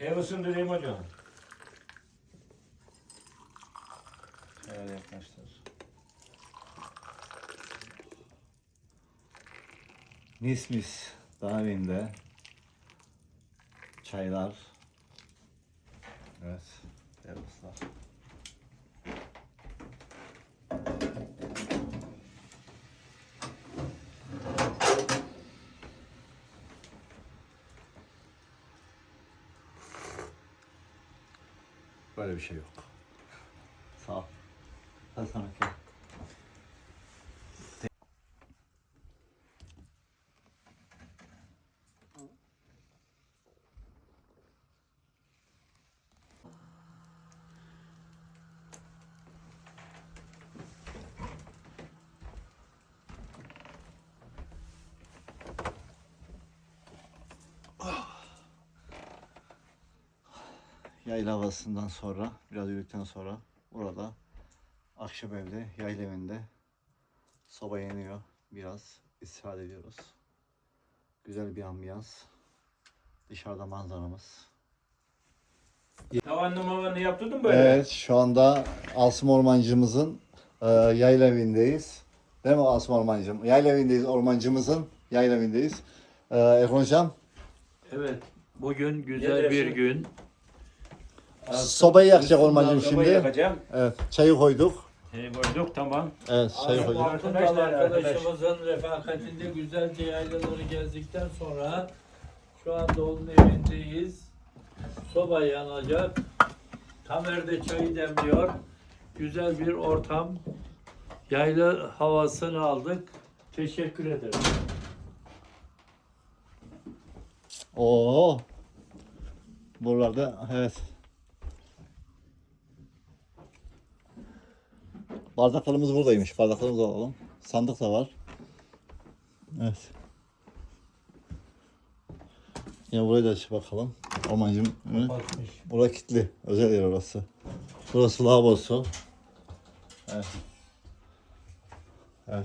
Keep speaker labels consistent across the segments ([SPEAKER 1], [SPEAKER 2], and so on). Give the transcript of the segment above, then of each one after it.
[SPEAKER 1] Ev ısındırayım hocam.
[SPEAKER 2] Şöyle yaklaştır. Mis mis dağ evinde çaylar. Evet, termoslar. Böyle bir şey yok. Sağ ol. Hadi sana gel. Yayla havasından sonra, biraz yürüdükten sonra burada akşam evde, yayla evinde soba yanıyor. Biraz istirahat ediyoruz. Güzel bir ambiyans. Dışarıda manzaramız.
[SPEAKER 1] Tavanlı mavanlı yaptırdın böyle.
[SPEAKER 2] Evet, şu anda Asım Ormancımızın yayla evindeyiz. Değil mi Asım Ormancım? Yayla evindeyiz, ormancımızın yayla evindeyiz. Erkan Hocam,
[SPEAKER 3] Evet, bugün güzel
[SPEAKER 1] Neler
[SPEAKER 3] bir
[SPEAKER 1] şimdi?
[SPEAKER 3] gün.
[SPEAKER 2] sobayı yakacak ormancım
[SPEAKER 1] Sobayı
[SPEAKER 2] şimdi.
[SPEAKER 1] yakacağım.
[SPEAKER 2] Evet, çayı koyduk.
[SPEAKER 1] Koyduk tamam.
[SPEAKER 2] Evet, çayı koyduk.
[SPEAKER 1] Arkadaşlar,
[SPEAKER 3] Arkadaşımızın refakatinde güzelce yaylaları gezdikten sonra şu anda onun evindeyiz. Soba yanacak. Tamer de çayı demliyor. Güzel bir ortam. Yayla havasını aldık. Teşekkür ederim.
[SPEAKER 2] Oo. Buralarda evet. Bardaklarımız buradaymış. Bardaklarımızı alalım. Sandık da var. Evet. Yine burayı da aç bakalım. Ormancım.
[SPEAKER 3] Bakmış.
[SPEAKER 2] Burası kilitli. Özel yer orası. Burası lavabosu. Evet. Evet.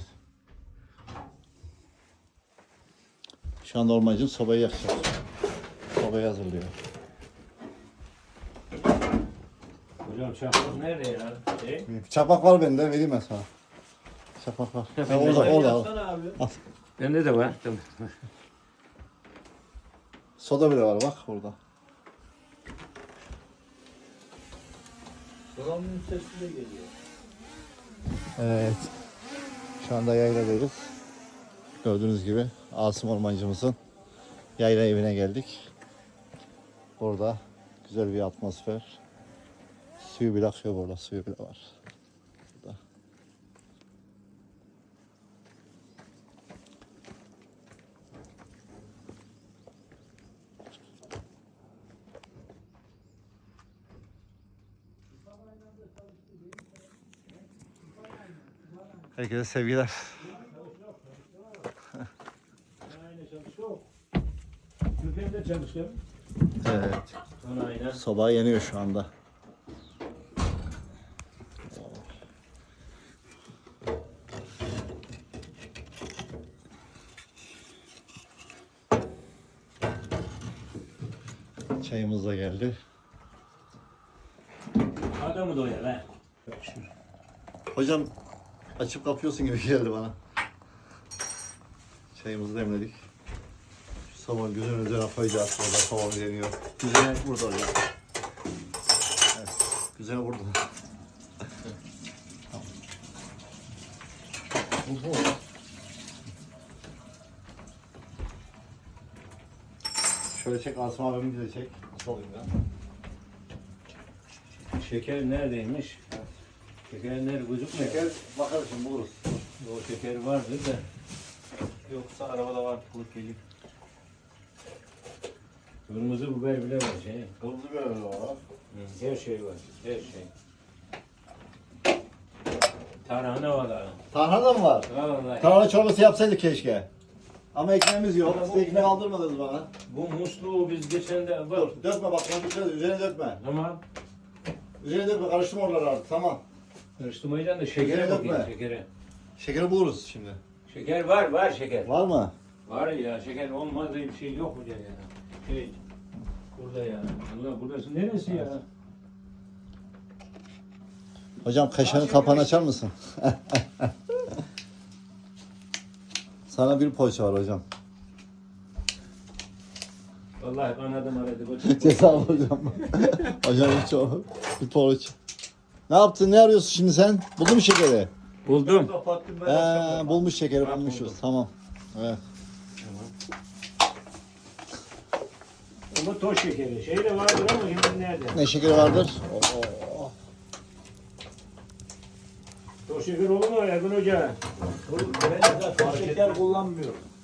[SPEAKER 2] Şu anda ormancım sobayı yakacak. Sobayı hazırlıyor.
[SPEAKER 1] Hocam çakmak nerede ya?
[SPEAKER 2] Çakmak var bende. Vereyim ben sana. Çakmak var. Ha, orada.
[SPEAKER 3] Yapsana abi.
[SPEAKER 1] Bende de var. Tamam.
[SPEAKER 2] Soda bile var bak orada.
[SPEAKER 3] Sobanın sesi de geliyor.
[SPEAKER 2] Evet. Şu anda yayladayız. Gördüğünüz gibi Asım Ormancımızın yayla evine geldik. Burada güzel bir atmosfer. Suyu bile akıyor burada. Suyu bile var. Burada. Herkese sevgiler.
[SPEAKER 1] Aynı çalışıyor. Türkiye'de çalıştım.
[SPEAKER 2] Evet.
[SPEAKER 1] Aynen.
[SPEAKER 2] Soba yanıyor şu anda. Çayımız da geldi.
[SPEAKER 1] Adamı doyar ha.
[SPEAKER 2] Hocam açıp kapıyorsun gibi geldi bana. Çayımızı demledik. Şu soba güzel üzerine koyacağız. Burada sobamız yanıyor. Güzel burada hocam. Evet. Güzel burada. Tamam. Şöyle çek Asım abimi de çek. Nasıl olayım ya?
[SPEAKER 1] Şeker neredeymiş? Şeker nerede? Gözükmüyor.
[SPEAKER 2] Şeker bakarız şimdi buluruz.
[SPEAKER 1] O şeker vardır da. Yoksa arabada var. Bulup geliyor. Kırmızı biber bile var şey.
[SPEAKER 2] Kırmızı biber var.
[SPEAKER 1] Her şey var. Her şey. Tarhana var ha.
[SPEAKER 2] Tarhana da mı var?
[SPEAKER 1] Vallahi.
[SPEAKER 2] Tarhana çorbası yapsaydık keşke. Ama ekmeğimiz yok. Siz ekmek aldırmadınız bana.
[SPEAKER 1] Bu musluğu biz geçen de var.
[SPEAKER 2] Dur, dökme bak, üzerine dökme.
[SPEAKER 1] Tamam.
[SPEAKER 2] Üzerine dökme, karıştırma oraları artık, tamam.
[SPEAKER 1] Karıştırmayacaksın da şekere
[SPEAKER 2] Şekere
[SPEAKER 1] bakayım
[SPEAKER 2] dökme.
[SPEAKER 1] şekere.
[SPEAKER 2] Şekeri buluruz şimdi.
[SPEAKER 1] Şeker var şeker.
[SPEAKER 2] Var mı?
[SPEAKER 1] Var ya şeker olmadığı bir şey yok hocam ya. Şey,
[SPEAKER 3] Burada yani.
[SPEAKER 1] Allah burası neresi ya?
[SPEAKER 2] Hocam kaşarın kapağını açar mısın? Sana bir poğaça var hocam.
[SPEAKER 1] Vallahi kanadım aradı.
[SPEAKER 2] Ceza hocam. Hocam hiç o. Bir poğaça. Ne yaptın? Ne arıyorsun şimdi sen? Buldun mu şekeri?
[SPEAKER 1] Buldum.
[SPEAKER 2] Bulmuş şekeri bulmuşuz. Tamam. Evet.
[SPEAKER 1] Ama toz şekeri. Şey de vardır ama şimdi nerede?
[SPEAKER 2] Ne şekeri vardır?
[SPEAKER 1] Toz şeker olur mu Ergun Hoca?
[SPEAKER 3] Ben zaten şeker kullanmıyorum.